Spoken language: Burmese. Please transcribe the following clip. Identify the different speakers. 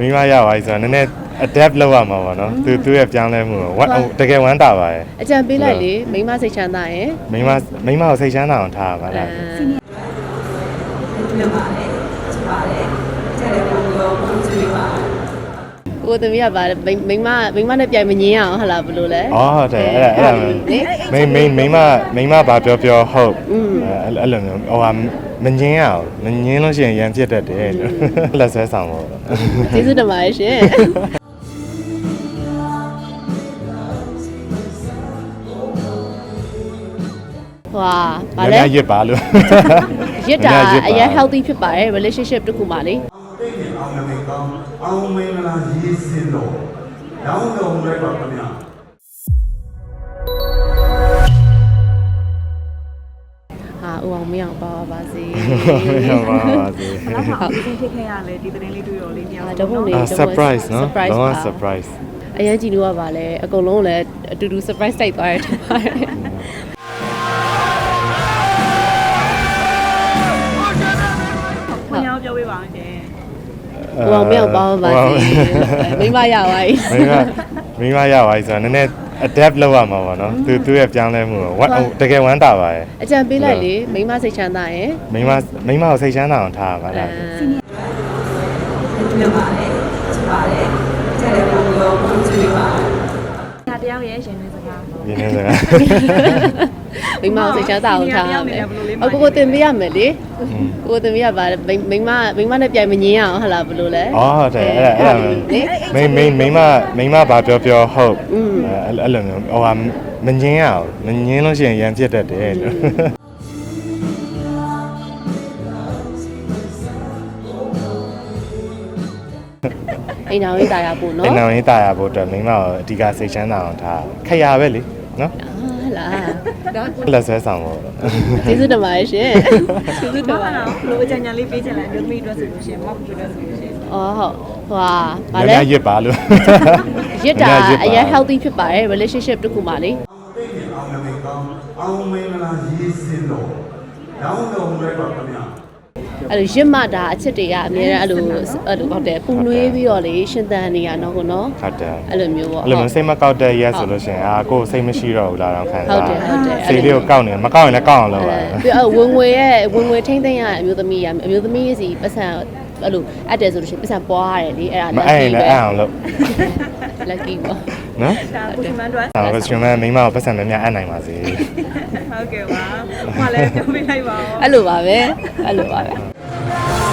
Speaker 1: မိမရပါပြီဆိုတော့နည်းနည်း adapt လုပ်ရမှာပေါ့နော်သူရဲ့ပြောင်းလဲမှုတကယ်ဝမ်းတာပါရဲ့
Speaker 2: အကြံပေးလိုက်လေမိမစိတ်ချမ်းသာရင်
Speaker 1: မိမကိုစိတ်ချမ်းသာအောင်ထားပါလား
Speaker 3: လုပ်ပါတယ်ချစ်ပါတယ်ကျတဲ့ဘုံရောဘုံချစ်ပါ
Speaker 2: ကိုသမီးကပါမိမနဲ့ပြိုင်မငင်းအောင်ဟလာဘလို့လဲ
Speaker 1: ဟုတ်တယ်အဲ့မိမဘာပြောဟုတ်အဲ့လိုမျိုးဟိုဟာမငင်းအောင်မငင်းလို့ရှိရင်ရန်ဖြစ်တတ်တယ်လက်ဆွဲဆောင်ပေါ့
Speaker 2: ကျေးဇူးတင်ပါတယ်ရှင်ဝါဗာလဲ
Speaker 1: ရစ်ပါလို့
Speaker 2: ရစ်တာအရင် healthy ဖြစ်ပါတယ် relationship တခုမှလေ
Speaker 4: အောင်နမိတ်ကောင်းအောင်မင်္ဂလာရေးစင်တော်ရောင်းတော်မူလိုက်ပါခင်ဗျာ
Speaker 2: ဦးအောင်မင်းအောင်ပါပါစေ
Speaker 1: ပါစေ
Speaker 3: ဘယ်တော့မှအပြင်ဖြစ်ခဲ့ရလဲဒီသတင်းလေးတွေ့ရောလေးများ
Speaker 2: တော့ဘုံလေး
Speaker 1: surprise နော်ဘာ surprise
Speaker 2: အရင်ကြည့်လို့ရပါလဲအကုန်လုံးလည်းအတူတူ surprise တိုက်သွားရတယ်ထင်ပါတယ်
Speaker 3: ခင်ဗျားပြောပေးပါဦးရှင်
Speaker 2: ဦးအောင်မင်းအောင်ပါပါစေမိမရပါပြီ
Speaker 1: မိမရပါပြီဆိုတော့နည်းနည်း adapt လုပ်ရမှာပေါ့နော်သူရဲ့ပြောင်းလဲမှုတကယ်ဝမ်းတာပါရဲ့
Speaker 2: အကြံပေးလိုက်လေမိမစိတ်ချမ်းသာရင်
Speaker 1: မိမကိုစိတ်ချမ်းသာအောင်ထားပါလား
Speaker 3: လုပ်ပါတယ်ချစ်ပါတယ်ကျတဲ့ဘုံရောဘုံချစ်ပါတယောက်ရဲ့ရှင်နေစကား
Speaker 2: မိမစိတ်ချမ်းသာအောင်ထားရမယ်ကိုတင်ပေးရမယ်လေကိုတင်ပေးရပါမိမနဲ့ပြိုင်မငင်းအောင်ဟလာဘလို့လဲ
Speaker 1: ဟုတ်တယ်မိမဘာပြောဟုတ်အဲ့လိုမျိုးဟိုဟာမငင်းအောင်မငင်းလို့ရှိရင်ရန်ဖြစ်တတ်တယ်
Speaker 2: အိမ်တော်ရေးတာရဖို့နော်
Speaker 1: အိမ်တော်ရေးတာရဖို့အတွက်မိမကိုအဓိကစိတ်ချမ်းသာအောင်ထားခရပဲလေနော်
Speaker 2: ဟလာ
Speaker 1: လက်ဆွဲဆောင်ပေါ့
Speaker 2: ကျေးဇူးတင်ပါတယ်ရှင်ကျေးဇူးတင်ပါတယ်
Speaker 3: လို့အကြံဉာဏ်လေးပေးချင်လားမျိုးသမီးအတွက်ဆိုလို့ရှိရင်မောက်အတွက်ဆိုလို့ရှိရင်
Speaker 2: ဟုတ်ဟွာဗာလဲ
Speaker 1: ရစ်ပါလို့
Speaker 2: ရစ်တာအရင် healthy ဖြစ်ပါတယ် relationship တခုမှလေ
Speaker 4: အောင်နမိတ်ကောင်းအောင်မင်္ဂလာရေးစင်တော်ရောင်းတော်မူလိုက်ပါခင်ဗျာ
Speaker 2: အဲ့လိုရစ်မှတာအချစ်တွေကအများအဲ့လိုဟုတ်တယ်ပူနွေးပြီးတော့လေရှင်သန်နေရတော့ကိုနော်
Speaker 1: ဟုတ်တယ်
Speaker 2: အဲ့လိုမျိုးပေါ့
Speaker 1: အဲ့လိုမျိုးစိတ်မကောက်တဲ့ရက်ဆိုလို့ရှိရင်ကိုယ်စိတ်မရှိတော့ဘူးလားတော့ခံစား
Speaker 2: ဟုတ်တယ်
Speaker 1: စိတ်လေးကိုကောက်နေမကောက်ရင်လည်းကောက်အောင်လုပ်ရတယ်
Speaker 2: ပြီးဝင်ငွေထိမ့်သိမ့်ရအမျိုးသမီးစီပတ်စံအဲ့လိုအပ်တယ်ဆိုလို့ရှိရင်ပတ်စံပွားရတယ်လေအဲ့ဒါ
Speaker 1: မအဲ့ရင်လည်းအဲ့အောင်လုပ်
Speaker 2: lucky ပေါ့
Speaker 1: နော်
Speaker 3: ဒါကိုရှင်မန်တို့
Speaker 1: ကိုရှင်မန်မိမကိုပတ်စံများများအပ်နိုင်ပါစေ
Speaker 3: ဟုတ်ကဲ့ပါဟိုလည်းပြောပြလိုက်ပါဦး
Speaker 2: အဲ့လိုပါပဲ